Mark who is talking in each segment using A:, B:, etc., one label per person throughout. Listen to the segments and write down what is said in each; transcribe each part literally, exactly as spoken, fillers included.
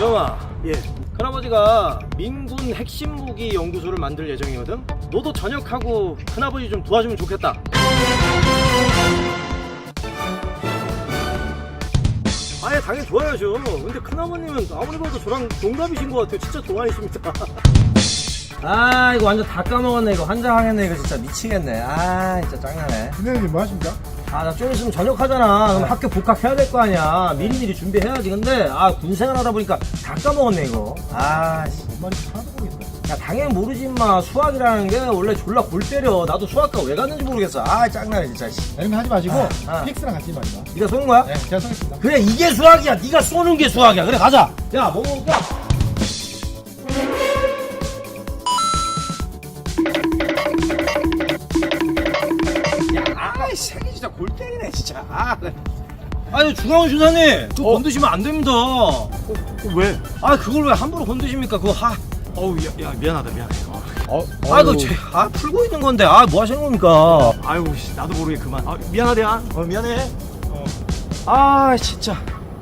A: 정아,
B: 예.
A: 큰아버지가 민군 핵심 무기 연구소를 만들 예정이거든. 너도 전역하고 큰아버지 좀 도와주면 좋겠다. 아예 당연히 좋아야죠. 근데 큰아버님은 아무리 봐도 저랑 동갑이신 것 같아요. 진짜 동안이십니다. 아 이거 완전 다 까먹었네. 이거 환장하겠네. 이거 진짜 미치겠네. 아 진짜 짱나네.
B: 선생님 뭐 하십니까?
A: 아 나 좀 있으면 전역하잖아. 그럼 학교 복학해야 될 거 아니야. 미리미리 준비해야지. 근데 아 군생활 하다 보니까 다 까먹었네 이거. 아 씨.
B: 뭔 말인지 하나도 모르겠어.
A: 야 당연히 모르지 마. 수학이라는 게 원래 졸라 골 때려. 나도 수학과 왜 갔는지 모르겠어. 아 짱나네 진짜. 씨.
B: 이런 거 하지 마시고
A: 아, 아.
B: 피엑스랑 같이 말이야.
A: 네가 쏘는 거야?
B: 네, 제가 쏘겠습니다.
A: 그래 이게 수학이야. 네가 쏘는 게 수학이야. 그래 가자. 야 뭐 먹을까?
C: 아이 새끼 진짜 골 때리네 진짜. 아, 네.
A: 아니 중앙원 주사님 그거
C: 어?
A: 건드시면 안 됩니다.
C: 어, 왜?
A: 아 그걸 왜 함부로 건드십니까? 그거 하.
C: 어우 야, 야 미안하다 미안해. 어.
B: 어,
A: 아 그거 제, 아 풀고 있는 건데 아 뭐 하시는 겁니까?
C: 아유 씨, 나도 모르게 그만. 아 미안하다.
A: 어 미안해. 어. 아 진짜.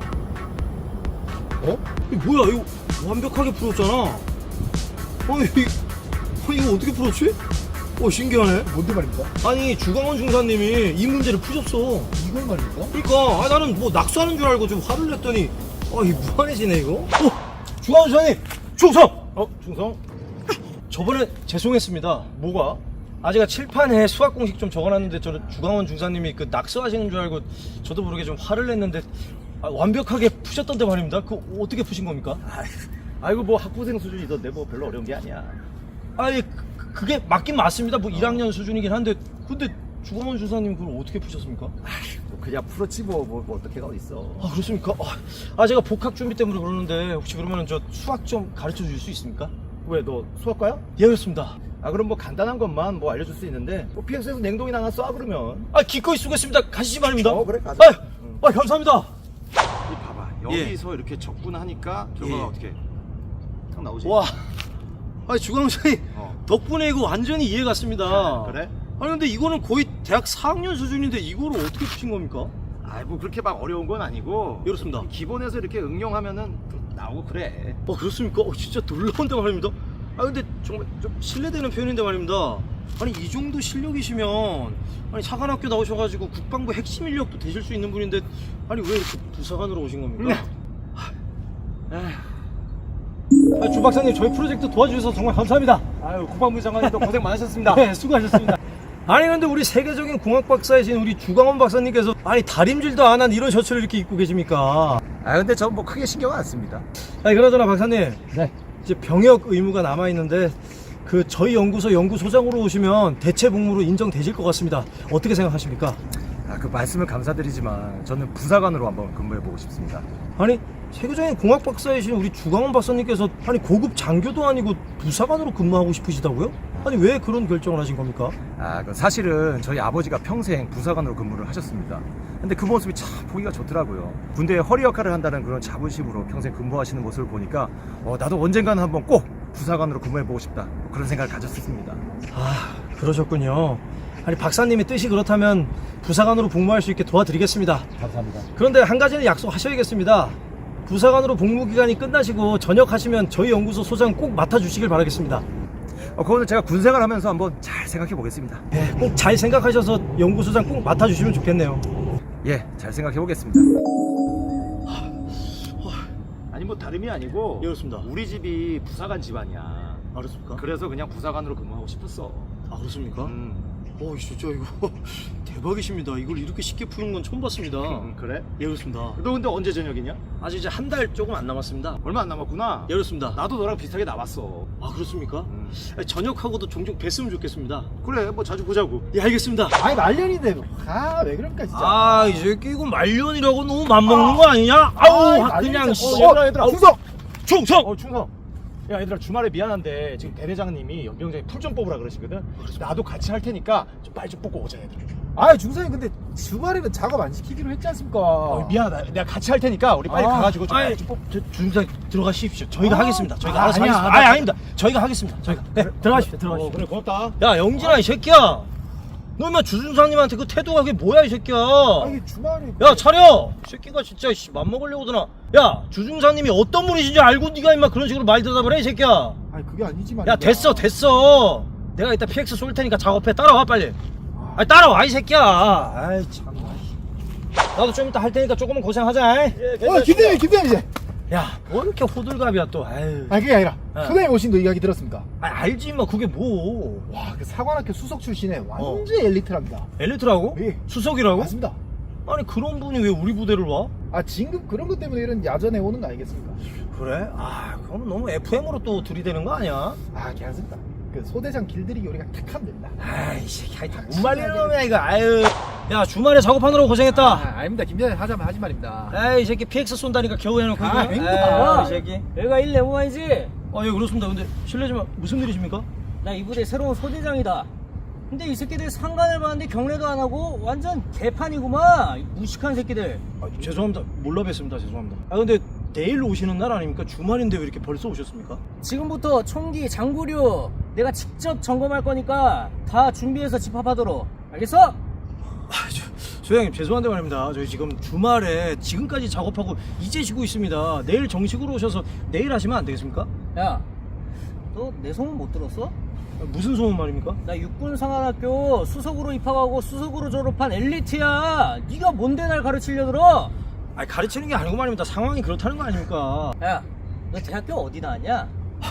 A: 어? 이거 뭐야 이거 완벽하게 풀었잖아. 아니 이- 어, 이거 어떻게 풀었지? 어 신기하네.
B: 뭔데 말입니까?
A: 아니 주광원 중사님이 이 문제를 푸셨어.
B: 이걸 말입니까?
A: 그러니까 아, 나는 뭐 낙수하는 줄 알고 좀 화를 냈더니 아 이 무한해지네 이거. 어 주광원 중사님 충성. 어 충성. 저번에 죄송했습니다.
C: 뭐가?
A: 아 제가 칠판에 수학 공식 좀 적어놨는데 저는 주광원 중사님이 그 낙서하시는 줄 알고 저도 모르게 좀 화를 냈는데 아, 완벽하게 푸셨던데 말입니다. 그 어떻게 푸신 겁니까?
C: 아이고 뭐 학부생 수준이던데 뭐 별로 어려운 게 아니야.
A: 아니 그, 그게 맞긴 맞습니다. 뭐 일 학년 수준이긴 한데 근데 주광원 중사님 그걸 어떻게 푸셨습니까?
C: 뭐 그냥 풀었지 뭐, 뭐, 뭐 어떻게가 어딨어.
A: 아 그렇습니까? 아, 아 제가 복학 준비 때문에 그러는데 혹시 그러면 저 수학 좀 가르쳐 줄 수 있습니까?
C: 왜 너 수학과야?
A: 예 그렇습니다.
C: 아 그럼 뭐 간단한 것만 뭐 알려줄 수 있는데 뭐 피엑스에서 냉동이나 하나 쏴 그러면.
A: 아 기꺼이 쓰겠습니다. 가시지 말입니다.
C: 어, 그래, 가자.
A: 아, 아 감사합니다.
C: 이 봐봐 여기서 이렇게 접근하니까 결과가
A: 예.
C: 어떻게 탁 나오지?
A: 와, 아 주광원장님
C: 어.
A: 덕분에 이거 완전히 이해 갔습니다.
C: 그래?
A: 아니 근데 이거는 거의 대학 사 학년 수준인데 이거를 어떻게 푸신 겁니까?
C: 아이 뭐 그렇게 막 어려운 건 아니고
A: 예, 그렇습니다.
C: 기본에서 이렇게 응용하면은 또 나오고 그래.
A: 어 그렇습니까? 어, 진짜 놀라운데 말입니다. 아 근데 정말 좀 실례되는 표현인데 말입니다. 아니 이 정도 실력이시면 아니 사관학교 나오셔가지고 국방부 핵심 인력도 되실 수 있는 분인데 아니 왜 이렇게 부사관으로 오신 겁니까? 아, 주 박사님 저희 프로젝트 도와주셔서 정말 감사합니다.
C: 아유 국방부 장관님도 고생 많으셨습니다.
A: 네, 수고하셨습니다. 아니 근데 우리 세계적인 공학 박사이신 우리 주광원 박사님께서 아니 다림질도 안 한 이런 셔츠를 이렇게 입고 계십니까?
C: 아 근데 전 뭐 크게 신경 안 씁니다.
A: 아니 그나저나 박사님
B: 네.
A: 이제 병역 의무가 남아 있는데 그 저희 연구소 연구소장으로 오시면 대체 복무로 인정되실 것 같습니다. 어떻게 생각하십니까?
D: 아, 그 말씀을 감사드리지만 저는 부사관으로 한번 근무해보고 싶습니다.
A: 아니 세계적인 공학 박사이신 우리 주광원 박사님께서 아니 고급 장교도 아니고 부사관으로 근무하고 싶으시다고요? 아니 왜 그런 결정을 하신 겁니까?
D: 아, 그 사실은 저희 아버지가 평생 부사관으로 근무를 하셨습니다. 근데 그 모습이 참 보기가 좋더라고요. 군대의 허리 역할을 한다는 그런 자부심으로 평생 근무하시는 모습을 보니까 어, 나도 언젠가는 한번 꼭 부사관으로 근무해보고 싶다. 뭐 그런 생각을 가졌습니다.
A: 아 그러셨군요. 아니 박사님의 뜻이 그렇다면 부사관으로 복무할 수 있게 도와드리겠습니다.
B: 감사합니다.
A: 그런데 한 가지는 약속하셔야겠습니다. 부사관으로 복무 기간이 끝나시고 전역하시면 저희 연구소 소장 꼭 맡아주시길 바라겠습니다.
D: 어, 그거는 제가 군생활 하면서 한번 잘 생각해 보겠습니다.
A: 네, 꼭 잘 생각하셔서 연구소장 꼭 맡아주시면 좋겠네요.
D: 예, 잘 생각해 보겠습니다.
C: 아니 뭐 다름이 아니고
A: 예, 그렇습니다.
C: 우리 집이 부사관 집안이야.
A: 알았습니까?
C: 그래서 그냥 부사관으로 근무하고 싶었어.
A: 아 그렇습니까?
C: 음.
A: 어 진짜 이거 대박이십니다. 이걸 이렇게 쉽게 푸는 건 처음 봤습니다.
C: 음, 그래?
A: 예 그렇습니다.
C: 너 근데 언제 저녁이냐?
A: 아직 이제 한 달 조금 안 남았습니다.
C: 얼마 안 남았구나.
A: 예 그렇습니다.
C: 나도 너랑 비슷하게 나왔어.
A: 아 그렇습니까?
C: 음.
A: 아니, 전역하고도 종종 뵀으면 좋겠습니다.
C: 그래 뭐 자주 보자고.
A: 예 알겠습니다.
B: 아니 말년인데 아왜 그러니까 진짜.
A: 아 이 새끼 이거 말년이라고 너무 맘먹는 거 아니냐? 아우
B: 아이,
A: 그냥
B: 말년
A: 씨.
B: 진짜. 어, 얘들아 얘들아 충성.
A: 충성!
C: 어 충성. 야 얘들아 주말에 미안한데 지금 대대장님이 연병장에 풀 좀 뽑으라 그러시거든. 나도 같이 할 테니까 좀 빨리 좀 뽑고 오자 얘들아.
B: 아 중사님 근데 주말에는 작업 안 시키기로 했지 않습니까?
C: 어, 미안하다. 내가 같이 할 테니까 우리 빨리
B: 아,
C: 가가지고 좀,
A: 아니
C: 좀 뽑.
A: 저 중장 들어가십시오. 저희가
B: 아,
A: 하겠습니다. 저희가
C: 아,
A: 알아서
C: 아니야,
A: 하겠습니다.
C: 나-
A: 아니 아닙니다. 저희가 하겠습니다. 저희가 네 들어가십시오.
C: 어,
A: 들어가십시오.
C: 그래 고맙다.
A: 야 영진아 이 새끼야. 너 임마 주중사님한테 그 태도가 그게 뭐야 이 새끼야.
B: 아 이게 주말에
A: 야 차려! 이 새끼가 진짜 씨, 맘먹으려고 드나. 야 주중사님이 어떤 분이신지 알고 네가 임마 그런 식으로 말 대답을 해 이 새끼야.
B: 아니 그게 아니지만
A: 야 됐어 됐어. 내가 이따 피엑스 쏠 테니까 작업해. 따라와 빨리. 아 따라와 이 새끼야. 아이 참. 나도 좀 이따 할 테니까 조금은 고생하자. 예,
B: 어 김대리 김대리 이제
A: 야, 뭐 이렇게 호들갑이야 또. 아유.
B: 아니 그게 아니라
A: 어.
B: 소장님 오신 거 이야기 들었습니까?
A: 아, 알지 임마 그게 뭐.
B: 와그 사관학교 수석 출신의 완전
A: 어.
B: 엘리트랍니다.
A: 엘리트라고?
B: 예.
A: 수석이라고?
B: 맞습니다.
A: 아니 그런 분이 왜 우리 부대를 와?
B: 아 진급 그런 것 때문에 이런 야전에 오는 거 아니겠습니까?
A: 그래? 아 그럼 너무 에프엠으로 또 들이대는 거 아니야?
B: 아 괜찮습니다. 그 소대장 길들이기 우리가 탁 하면 됩니다.
A: 아이 새끼 하여튼 못 말리는 놈이야 이거. 아유. 야 주말에 작업하느라고 고생했다.
B: 아 아닙니다. 김대리 하자면 하지 말입니다.
A: 에이 이 새끼 피엑스 쏜다니까 겨우 해놓고.
B: 아,
A: 이거.
B: 행복하다.
A: 에이, 이 새끼.
E: 여기가 일 레모아이지?
A: 아 예 그렇습니다. 근데 실례지만 무슨 일이십니까?
E: 나 이 부대 새로운 소대장이다. 근데 이 새끼들 상관을 봤는데 경례도 안 하고 완전 개판이구만. 이 무식한 새끼들.
A: 아, 죄송합니다. 몰라 뵀습니다. 죄송합니다. 아 근데 내일 오시는 날 아닙니까? 주말인데 왜 이렇게 벌써 오셨습니까?
E: 지금부터 총기, 장구류 내가 직접 점검할 거니까 다 준비해서 집합하도록. 알겠어?
A: 아, 저, 소장님 죄송한데 말입니다. 저희 지금 주말에 지금까지 작업하고 이제 쉬고 있습니다. 내일 정식으로 오셔서 내일 하시면 안 되겠습니까?
E: 야, 너 내 소문 못 들었어?
A: 아, 무슨 소문 말입니까?
E: 나 육군상안학교 수석으로 입학하고 수석으로 졸업한 엘리트야. 네가 뭔데 날 가르치려 들어?
A: 아 가르치는 게 아니고 말입니다. 상황이 그렇다는 거 아닙니까?
E: 야, 너 대학교 어디 나왔냐?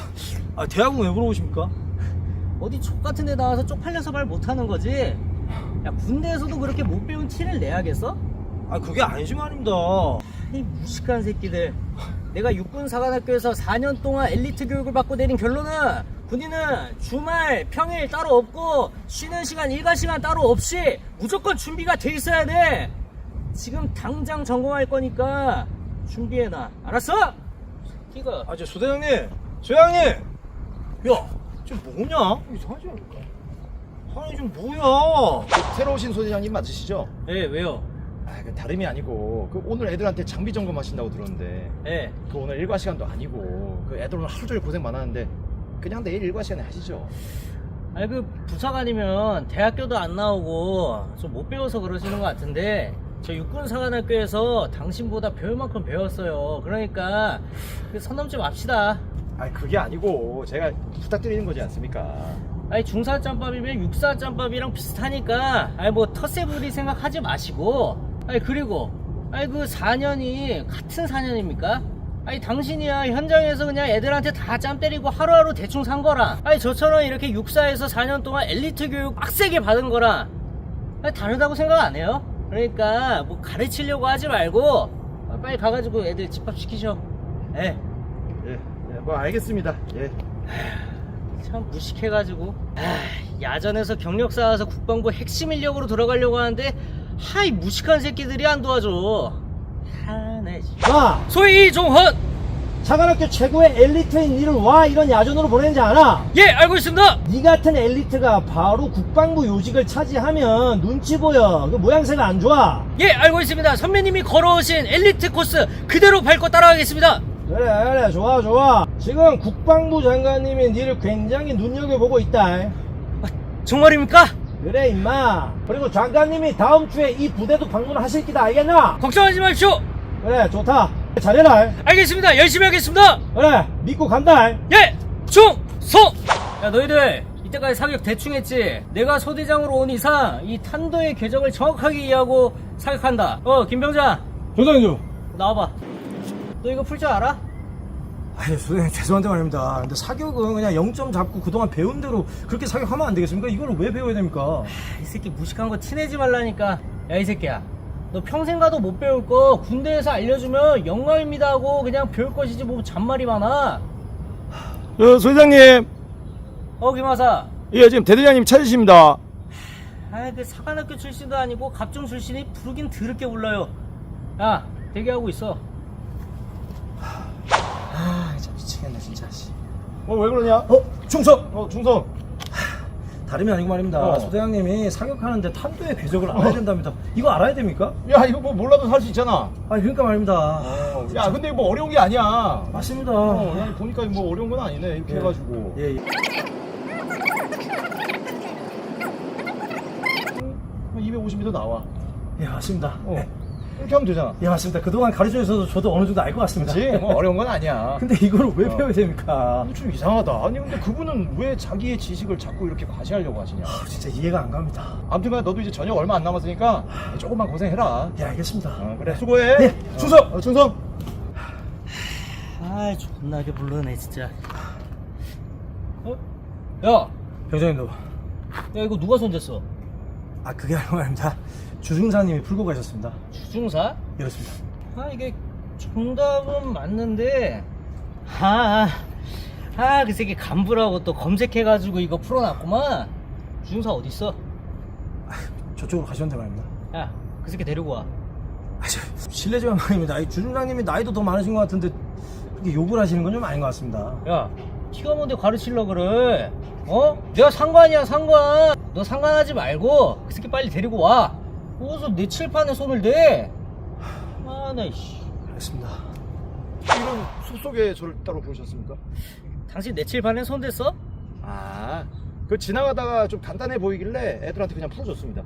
A: 아 대학은 왜 물어보십니까?
E: 어디 족 같은 데 나와서 쪽팔려서 말 못하는 거지? 야, 군대에서도 그렇게 못 배운 티를 내야겠어?
A: 아 그게 아니지 말입니다.
E: 이 무식한 새끼들. 내가 육군사관학교에서 사 년 동안 엘리트 교육을 받고 내린 결론은 군인은 주말, 평일 따로 없고 쉬는 시간, 일과 시간 따로 없이 무조건 준비가 돼 있어야 돼. 지금 당장 점검할 거니까 준비해놔. 알았어? 이거
A: 아 저 소대장님, 소장님, 야, 지금 뭐냐?
B: 이상하지 않을까?
A: 아니 지금 뭐야?
D: 새로 오신 소대장님 맞으시죠?
E: 예, 왜요?
D: 아, 그 다름이 아니고 그 오늘 애들한테 장비 점검하신다고 들었는데
E: 예.
D: 그 오늘 일과 시간도 아니고 그 애들 오늘 하루 종일 고생 많았는데 그냥 내일 일과 시간에 하시죠.
E: 아니 그 부사관이면 대학교도 안 나오고 좀 못 배워서 그러시는 것 같은데 저 육군사관학교에서 당신보다 배울 만큼 배웠어요. 그러니까 그 선 넘지 맙시다.
D: 아니 그게 아니고 제가 부탁드리는 거지 않습니까?
E: 아니 중사짬밥이면 육사짬밥이랑 비슷하니까 아니 뭐 텃세부리 생각하지 마시고 아니 그리고 아니 그 사 년이 같은 사 년입니까? 아니 당신이야 현장에서 그냥 애들한테 다 짬 때리고 하루하루 대충 산 거라. 아니 저처럼 이렇게 육사에서 사 년 동안 엘리트 교육 빡세게 받은 거라. 아니 다르다고 생각 안 해요? 그러니까 뭐 가르치려고 하지 말고 빨리 가가지고 애들 집합시키셔. 예.
D: 예, 예, 뭐 알겠습니다. 예.
E: 참 무식해가지고 아, 야전에서 경력 쌓아서 국방부 핵심 인력으로 들어가려고 하는데 하이 무식한 새끼들이 안 도와줘. 하네.
A: 마,
E: 소위 이종헌.
A: 사관학교 최고의 엘리트인 니를 와 이런 야전으로 보내는지 알아?
E: 예, 알고 있습니다.
A: 니 같은 엘리트가 바로 국방부 요직을 차지하면 눈치 보여. 그 모양새가 안 좋아.
E: 예, 알고 있습니다. 선배님이 걸어오신 엘리트 코스 그대로 밟고 따라가겠습니다.
A: 그래 그래 좋아 좋아. 지금 국방부 장관님이 니를 굉장히 눈여겨보고 있다.
E: 정말입니까?
A: 그래 임마. 그리고 장관님이 다음 주에 이 부대도 방문하실 기다 알겠나?
E: 걱정하지 마십시오.
A: 그래 좋다. 잘해라.
E: 알겠습니다. 열심히 하겠습니다.
A: 그래 믿고 간다.
E: 예, 충성. 야 너희들 이때까지 사격 대충 했지? 내가 소대장으로 온 이상 이 탄도의 궤적을 정확하게 이해하고 사격한다. 어 김병장
A: 소장님.
E: 나와봐. 너 이거 풀 줄 알아?
A: 아니 소장님 죄송한데 말입니다. 근데 사격은 그냥 영 점 잡고 그동안 배운 대로 그렇게 사격하면 안 되겠습니까? 이걸 왜 배워야 됩니까?
E: 이 새끼 무식한 거 티내지 말라니까. 야 이 새끼야, 너 평생 가도 못 배울 거 군대에서 알려주면 영광입니다 하고 그냥 배울 것이지 뭐 잔말이 많아.
D: 어, 소대장님.
E: 어 김하사.
D: 예, 지금 대대장님 찾으십니다.
E: 아이 그 사관학교 출신도 아니고 갑종 출신이 부르긴 더럽게 불러요. 야 대기하고 있어.
A: 아 진짜 미치겠네 진짜.
D: 어, 왜 그러냐?
A: 어 충성.
D: 어, 중성.
A: 다름이 아니고 말입니다.
D: 어.
A: 소대장님이 사격하는데 탄도의 궤적을 알아야 된답니다. 이거 알아야 됩니까?
D: 야, 이거 뭐 몰라도 살 수 있잖아.
A: 아 그러니까 말입니다.
D: 어, 야, 근데 뭐 어려운 게 아니야.
A: 맞습니다.
D: 어, 그냥 보니까 뭐 어려운 건 아니네. 이렇게
A: 예.
D: 해가지고.
A: 예, 예.
C: 백오십 미터 나와.
A: 예, 맞습니다.
C: 어.
A: 예.
C: 이렇게 하면 되잖아.
A: 예, 맞습니다. 그동안 가르쳐 주셔서 저도 어느 정도 알 것 같습니다.
C: 그렇지? 뭐 어려운 건 아니야.
A: 근데 이걸 왜
C: 어.
A: 배워야 됩니까?
C: 좀 이상하다. 아니 근데 그분은 왜 자기의 지식을 자꾸 이렇게 과시하려고 하시냐.
A: 아, 진짜 이해가 안 갑니다.
C: 아무튼간 너도 이제 저녁 얼마 안 남았으니까 조금만 고생해라.
A: 예, 알겠습니다.
C: 어, 그래 수고해.
A: 네,
C: 충성. 어, 충성.
E: 아이 존나게 불러네 진짜. 어? 야,
A: 병장님도.
E: 야 이거 누가 손댔어?
A: 아, 그게 아니고 말입니다. 주중사님이 풀고 가셨습니다.
E: 주중사?
A: 이렇습니다.
E: 아 이게 정답은 맞는데 아아 아, 그 새끼 간부라고 또 검색해가지고 이거 풀어놨구만. 주중사 어딨어?
A: 저쪽으로 가셨는데 말입니다.
E: 야 그 새끼 데리고 와.
A: 아, 저, 실례지만 말입니다. 이 주중장님이 나이도 더 많으신 것 같은데 그렇게 욕을 하시는 건 좀 아닌 것 같습니다.
E: 야 티가 뭔데 가르치려 그래? 어? 내가 상관이야 상관. 너 상관하지 말고 그 새끼 빨리 데리고 와. 어디서 내 칠판에 손을 대? 아나 이씨.
A: 알겠습니다.
C: 이런 숲속에 저를 따로 부르셨습니까?
E: 당신 내 칠판에 손 댔어?
C: 아, 그 지나가다가 좀 간단해 보이길래 애들한테 그냥 풀어줬습니다.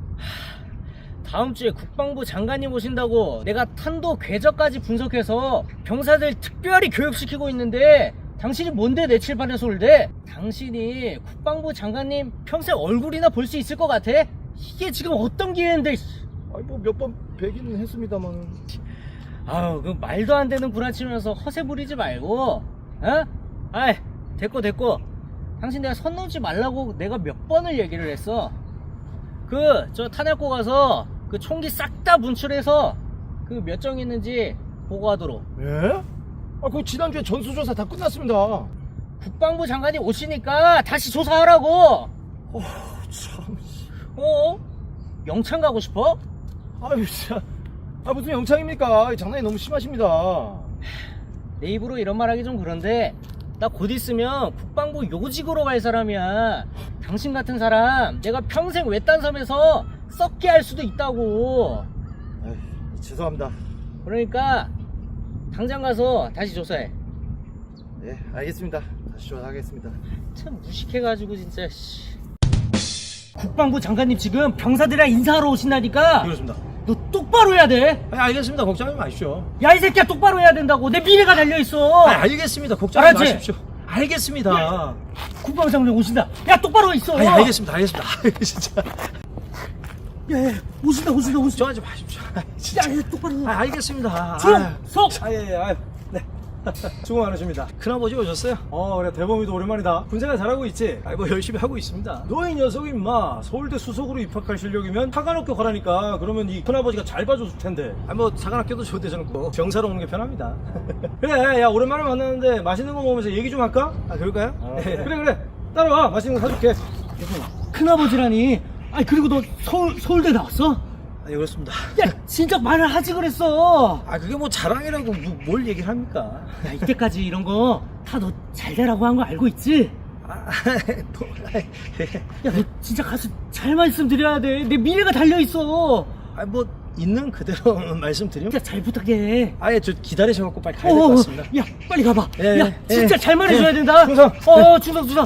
E: 다음 주에 국방부 장관님 오신다고 내가 탄도 궤적까지 분석해서 병사들 특별히 교육시키고 있는데 당신이 뭔데 내 칠판에 손을 대? 당신이 국방부 장관님 평생 얼굴이나 볼 수 있을 것 같아? 이게 지금 어떤 기회인데.
C: 아니 뭐 몇 번 뵈기는 했습니다만.
E: 아우 그 말도 안 되는 구라치면서 허세 부리지 말고 어? 아이 됐고 됐고 당신 내가 선 넘지 말라고 내가 몇 번을 얘기를 했어. 그 저 탄약고 가서 그 총기 싹 다 분출해서 그 몇 정 있는지 보고하도록.
C: 예? 아, 그 지난주에 전수조사 다 끝났습니다.
E: 국방부 장관이 오시니까 다시 조사하라고.
C: 어, 참.
E: 어? 영창 가고 싶어?
C: 아유, 진짜. 아, 무슨 영창입니까? 장난이 너무 심하십니다.
E: 내 입으로 이런 말하기 좀 그런데 나 곧 있으면 국방부 요직으로 갈 사람이야. 당신 같은 사람 내가 평생 외딴 섬에서 썩게 할 수도 있다고.
C: 아유, 죄송합니다.
E: 그러니까 당장 가서 다시 조사해.
C: 네, 알겠습니다. 다시 조사하겠습니다.
E: 참 무식해가지고 진짜 씨. 국방부 장관님 지금 병사들이랑 인사하러 오신다니까.
A: 그렇습니다.
E: 너 똑바로 해야 돼.
A: 아, 알겠습니다. 걱정하지 마십시오.
E: 야 이 새끼야 똑바로 해야 된다고. 내 미래가 달려있어.
A: 아, 알겠습니다. 걱정하지
E: 알았지?
A: 마십시오. 알겠습니다.
E: 국방부 장관님 오신다. 야 똑바로 있어.
A: 아, 알겠습니다. 알겠습니다. 아유, 진짜.
E: 야, 야 오신다 오신다 오신다.
A: 걱정하지 마십시오. 아, 진짜.
E: 야, 야 똑바로 해.
A: 아, 알겠습니다.
E: 충성!
A: 아, 예, 예, 아유, 네. 수고 많으십니다. 큰아버지 오셨어요? 어, 그래, 대범이도 오랜만이다. 군생활 잘하고 있지? 아이, 뭐, 열심히 하고 있습니다. 너희 녀석이, 임마, 서울대 수석으로 입학할 실력이면 사관학교 가라니까. 그러면 이 큰아버지가 잘 봐줬을 텐데. 아, 뭐, 사관학교도 좋은데 저는 뭐, 병사로 오는 게 편합니다. 그래, 야, 오랜만에 만났는데 맛있는 거 먹으면서 얘기 좀 할까? 아, 그럴까요?
C: 아,
A: 네. 그래, 그래. 따라와. 맛있는 거 사줄게.
E: 큰아버지라니. 아니 그리고 너 서울 서울대 나왔어?
A: 아, 예, 그렇습니다.
E: 야 진짜 말을 하지 그랬어.
A: 아, 그게 뭐 자랑이라고 뭐, 뭘 얘기를 합니까?
E: 야 이때까지 이런 거 다 너 잘 되라고 한 거 알고 있지?
A: 아, 뭐,
E: 야 너 진짜 가서 잘 말씀드려야 돼. 내 미래가 달려 있어.
A: 아, 뭐, 있는 그대로 말씀드리면.
E: 진짜 잘 부탁해.
A: 아예 저 기다리셔갖고 빨리 가야 될 것 같습니다.
E: 야 빨리 가봐.
A: 예,
E: 야
A: 예,
E: 진짜
A: 예.
E: 잘 말해줘야
A: 예.
E: 된다.
A: 충성.
E: 어 충성 충성.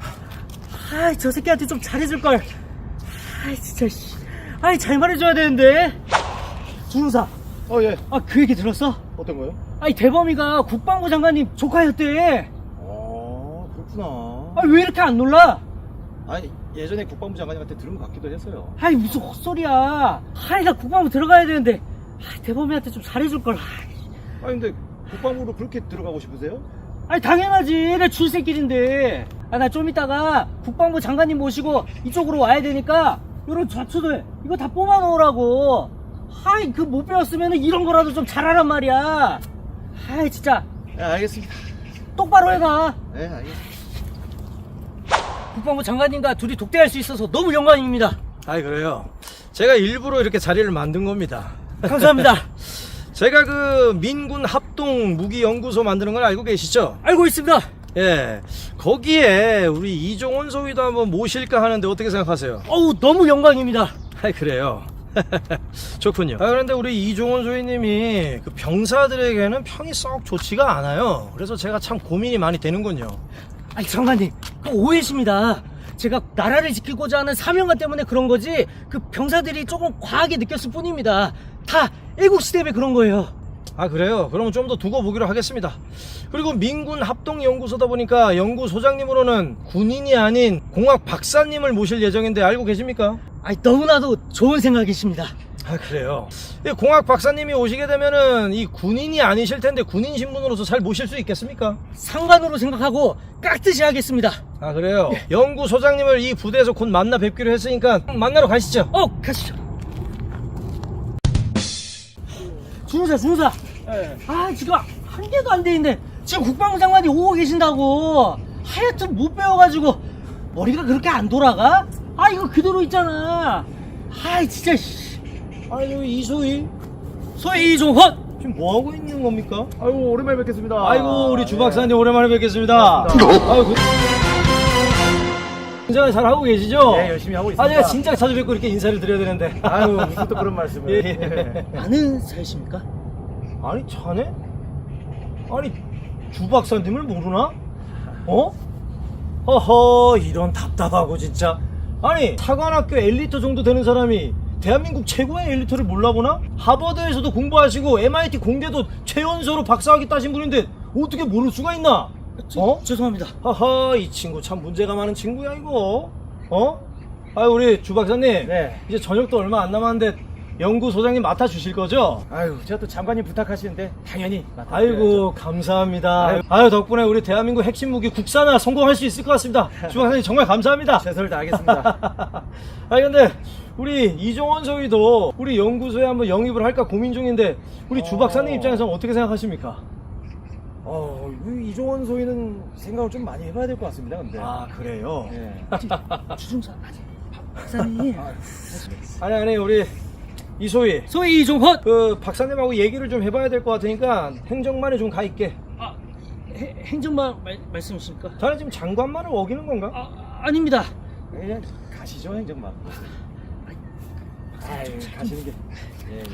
E: 아이 저 새끼한테 좀 잘해줄 걸. 아이 진짜 씨. 아이 잘 말해줘야 되는데. 준우사.
C: 어, 예.
E: 아 그 얘기 들었어?
C: 어떤 거요?
E: 아니 대범이가 국방부 장관님 조카였대.
C: 어, 그렇구나.
E: 아 왜 이렇게 안 놀라?
C: 아니, 예전에 국방부 장관님한테 들은 것 같기도 했어요.
E: 아이 무슨 헛소리야. 아이 나 국방부 들어가야 되는데 아, 대범이한테 좀 잘해줄 걸.
C: 아니, 근데 국방부로 그렇게 들어가고 싶으세요?
E: 아니 당연하지. 내 출세길인데. 아 나 좀 이따가 국방부 장관님 모시고 이쪽으로 와야 되니까 요런 좌초들 이거 다 뽑아 놓으라고. 아이 그 못 배웠으면 이런 거라도 좀 잘하란 말이야. 아이 진짜
C: 네, 알겠습니다.
E: 똑바로 해가.
C: 네, 알겠습니다.
E: 국방부 장관님과 둘이 독대할 수 있어서 너무 영광입니다.
A: 아이, 그래요. 제가 일부러 이렇게 자리를 만든 겁니다.
E: 감사합니다.
A: 제가 그 민군 합동 무기 연구소 만드는 걸 알고 계시죠?
E: 알고 있습니다.
A: 예. 거기에 우리 이종원 소위도 한번 모실까 하는데 어떻게 생각하세요?
E: 어우 너무 영광입니다.
A: 아이, 그래요. 좋군요. 아, 그런데 우리 이종원 소위님이 그 병사들에게는 평이 썩 좋지가 않아요. 그래서 제가 참 고민이 많이 되는군요.
E: 아니 장관님 그 오해십니다. 제가 나라를 지키고자 하는 사명감 때문에 그런 거지 그 병사들이 조금 과하게 느꼈을 뿐입니다. 다 애국시 때문에 그런 거예요.
A: 아 그래요? 그러면 좀 더 두고 보기로 하겠습니다. 그리고 민군 합동연구소다 보니까 연구소장님으로는 군인이 아닌 공학 박사님을 모실 예정인데 알고 계십니까?
E: 아니 너무나도 좋은 생각이십니다.
A: 아 그래요? 이 공학 박사님이 오시게 되면은 이 군인이 아니실 텐데 군인 신분으로서 잘 모실 수 있겠습니까?
E: 상관으로 생각하고 깍듯이 하겠습니다.
A: 아 그래요? 연구소장님을 이 부대에서 곧 만나 뵙기로 했으니까 만나러 가시죠.
E: 어 가시죠. 준호사 준호사 아 지금 한 개도 안 돼 있는데 지금 국방부 장관이 오고 계신다고. 하여튼 못 배워가지고 머리가 그렇게 안 돌아가? 아 이거 그대로 있잖아. 아이 진짜 씨.
A: 아유 이소희
E: 소위 이종헌
A: 지금 뭐 하고 있는 겁니까?
C: 아이고 오랜만에 뵙겠습니다.
A: 아이고 우리 주
C: 네.
A: 박사님 오랜만에 뵙겠습니다. 아유 그... 굉장히 잘 하고 계시죠?
C: 네, 열심히 하고 있습니다.
A: 아 제가 진짜 자주 뵙고 이렇게 인사를 드려야 되는데.
C: 아유 무슨 또 그런 말씀을.
A: 예, 예.
E: 아는 사이십니까?
A: 아니 자네? 아니 주 박사님을 모르나? 어? 허허 이런 답답하고 진짜. 아니 사관학교 엘리트 정도 되는 사람이 대한민국 최고의 엘리트를 몰라보나? 하버드에서도 공부하시고 엠아이티 공대도 최연소로 박사학위 따신 분인데 어떻게 모를 수가 있나? 어?
E: 죄송합니다.
A: 하하 이 친구 참 문제가 많은 친구야 이거. 어? 아 우리 주 박사님
C: 네.
A: 이제 저녁도 얼마 안 남았는데 연구소장님 맡아주실 거죠?
C: 아유 제가 또 장관님 부탁하시는데 당연히 맡아드려야죠.
A: 아이고 감사합니다. 아유.
C: 아유.
A: 덕분에 우리 대한민국 핵심 무기 국산화 성공할 수 있을 것 같습니다. 주 박사님 정말 감사합니다.
C: 최선을 다하겠습니다.
A: 아니 근데 우리 이종원 소위도 우리 연구소에 한번 영입을 할까 고민 중인데 우리 주 박사님
C: 어.
A: 입장에서는 어떻게 생각하십니까?
C: 어, 이 이종원 소위는 생각을 좀 많이 해봐야 될 것 같습니다. 근데.
A: 아 그래요?
C: 예.
E: 주중사 아직 박사님.
A: 아니 아니 우리 이소희
E: 소위 이종헌.
A: 그 박사님하고 얘기를 좀 해봐야 될 것 같으니까 행정만에 좀 가 있게.
E: 아 해- 행정만 말, 말씀이십니까?
A: 자네 지금 장관만을 어기는 건가?
E: 아 아닙니다.
C: 그냥 가시죠 행정만. 아유 가시는 게. 예, 예.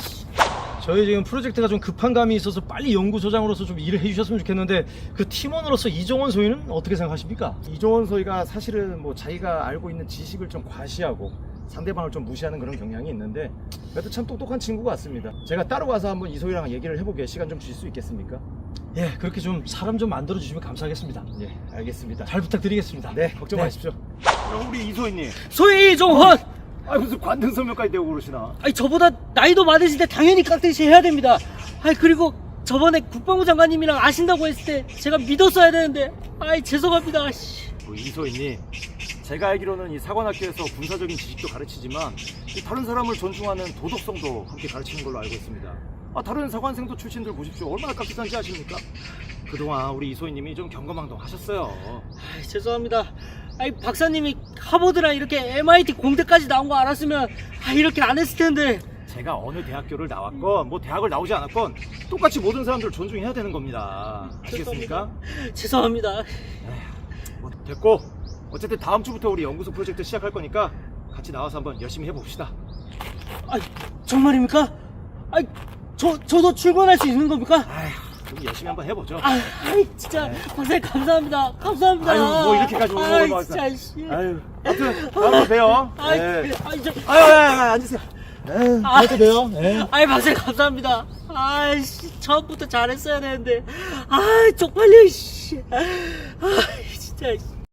A: 저희 지금 프로젝트가 좀 급한 감이 있어서 빨리 연구소장으로서 좀 일을 해주셨으면 좋겠는데 그 팀원으로서 이종원 소위는 어떻게 생각하십니까?
C: 이종원 소위가 사실은 뭐 자기가 알고 있는 지식을 좀 과시하고 상대방을 좀 무시하는 그런 경향이 있는데 그래도 참 똑똑한 친구 같습니다. 제가 따로 가서 한번 이소희랑 얘기를 해보게 시간 좀 주실 수 있겠습니까?
A: 예 그렇게 좀 사람 좀 만들어 주시면 감사하겠습니다.
C: 예, 알겠습니다.
A: 잘 부탁드리겠습니다.
C: 네, 걱정 마십시오.
D: 우리 이소희님.
E: 소위 이종헌.
D: 아 무슨 관등 선명까지 되고 그러시나?
E: 아니 저보다 나이도 많으신데 당연히 깍듯이 해야 됩니다. 아니 그리고 저번에 국방부 장관님이랑 아신다고 했을 때 제가 믿었어야 되는데 아이 죄송합니다. 씨.
D: 그 이소희님, 제가 알기로는 이 사관학교에서 군사적인 지식도 가르치지만 이 다른 사람을 존중하는 도덕성도 함께 가르치는 걸로 알고 있습니다. 아 다른 사관생도 출신들 보십시오. 얼마나 깍듯한지 아십니까? 그동안 우리 이소희님이 좀 경거망동 하셨어요.
E: 아이, 죄송합니다. 아이 박사님이 하버드랑 이렇게 엠아이티 공대까지 나온 거 알았으면 아, 이렇게 안 했을 텐데.
D: 제가 어느 대학교를 나왔건 뭐 대학을 나오지 않았건 똑같이 모든 사람들을 존중해야 되는 겁니다. 아시겠습니까?
E: 죄송합니다.
D: 뭐 됐고 어쨌든 다음 주부터 우리 연구소 프로젝트 시작할 거니까 같이 나와서 한번 열심히 해봅시다.
E: 아 정말입니까? 아 저 저도 출근할 수 있는 겁니까?
D: 아휴, 우리 열심히 한번 해보죠.
E: 아, 아이 진짜 박사님 감사합니다. 감사합니다.
D: 아유, 뭐 이렇게까지 오는
E: 아이,
D: 거
E: 진짜 씨.
D: 아유, 아무튼 다음에 봬요.
E: 아이,
D: 네.
E: 아이, 저,
D: 아유, 아유, 아유, 앉으세요.
E: 아,
A: 또 봬요. 예.
E: 아이 박사님 감사합니다. 아이씨 처음부터 잘했어야 되는데. 아 쪽팔려 씨. 아 진짜.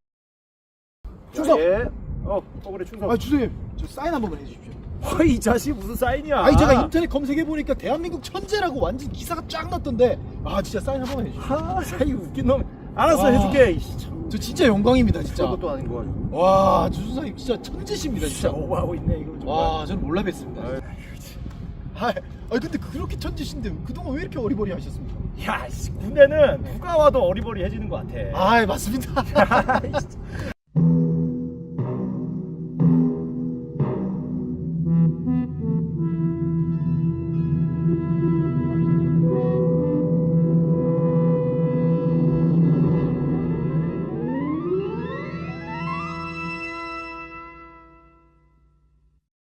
B: 충성!
C: 예. 어, 어 그래 충성.
B: 아 주선님 저 사인 한 번만 해주십시오.
C: 아, 이 자식 무슨 사인이야?
B: 아니 제가 인터넷 검색해보니까 대한민국 천재라고 완전 기사가 쫙 났던데 아 진짜 사인 한 번만 해주십시오.
C: 아, 사이 웃긴 놈. 알았어,
B: 와.
C: 해줄게. 이씨, 참.
B: 저 진짜 영광입니다 진짜.
C: 저것도 아닌 거 가지고.
B: 와 주선님 진짜 천재십니다
C: 진짜
B: 진짜.
C: 오버하고 있네 이거 정말.
B: 와 저는 몰라 뵀습니다.
C: 아유,
B: 아, 아 근데 그렇게 천재신데 그동안 왜 이렇게 어리버리 하셨습니까?
C: 야, 씨, 군대는 누가 와도 어리버리해지는 것 같아.
B: 아 맞습니다.